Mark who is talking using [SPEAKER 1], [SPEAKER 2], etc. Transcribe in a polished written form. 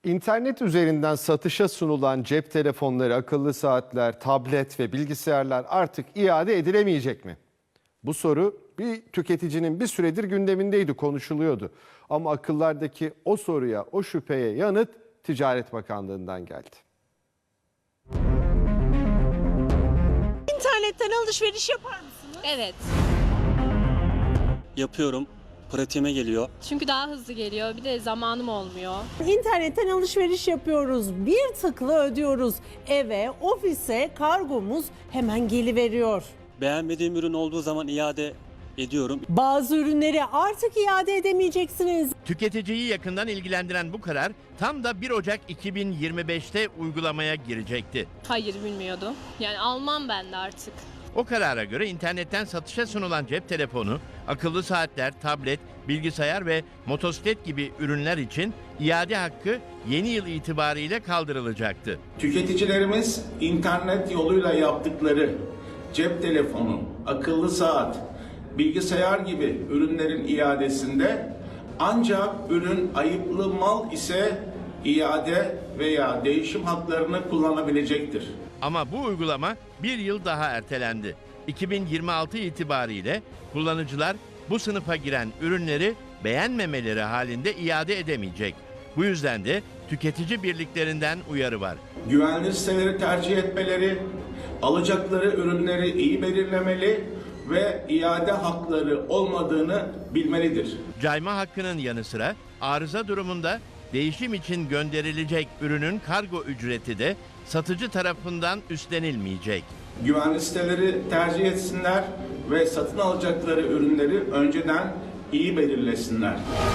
[SPEAKER 1] İnternet üzerinden satışa sunulan cep telefonları, akıllı saatler, tablet ve bilgisayarlar artık iade edilemeyecek mi? Bu soru bir tüketicinin bir süredir gündemindeydi, konuşuluyordu. Ama akıllardaki o soruya, o şüpheye yanıt Ticaret Bakanlığı'ndan geldi.
[SPEAKER 2] İnternetten alışveriş yapar mısınız?
[SPEAKER 3] Evet.
[SPEAKER 4] Yapıyorum. Pratiğime geliyor.
[SPEAKER 3] Çünkü daha hızlı geliyor. Bir de zamanım olmuyor.
[SPEAKER 2] İnternetten alışveriş yapıyoruz. Bir tıkla ödüyoruz. Eve, ofise kargomuz hemen geliveriyor.
[SPEAKER 4] Beğenmediğim ürün olduğu zaman iade ediyorum.
[SPEAKER 2] Bazı ürünleri artık iade edemeyeceksiniz.
[SPEAKER 5] Tüketiciyi yakından ilgilendiren bu karar tam da 1 Ocak 2025'te uygulamaya girecekti.
[SPEAKER 3] Hayır, bilmiyordum. Yani almam ben de artık.
[SPEAKER 5] O karara göre internetten satışa sunulan cep telefonu, akıllı saatler, tablet, bilgisayar ve motosiklet gibi ürünler için iade hakkı yeni yıl itibariyle kaldırılacaktı.
[SPEAKER 6] Tüketicilerimiz internet yoluyla yaptıkları cep telefonu, akıllı saat, bilgisayar gibi ürünlerin iadesinde ancak ürün ayıplı mal ise iade veya değişim haklarını kullanabilecektir.
[SPEAKER 5] Ama bu uygulama bir yıl daha ertelendi. 2026 itibariyle kullanıcılar bu sınıfa giren ürünleri beğenmemeleri halinde iade edemeyecek. Bu yüzden de tüketici birliklerinden uyarı var.
[SPEAKER 6] Güvenilir siteleri tercih etmeleri, alacakları ürünleri iyi belirlemeli ve iade hakları olmadığını bilmelidir.
[SPEAKER 5] Cayma hakkının yanı sıra arıza durumunda değişim için gönderilecek ürünün kargo ücreti de satıcı tarafından üstlenilmeyecek.
[SPEAKER 6] Güvenli siteleri tercih etsinler ve satın alacakları ürünleri önceden iyi belirlesinler.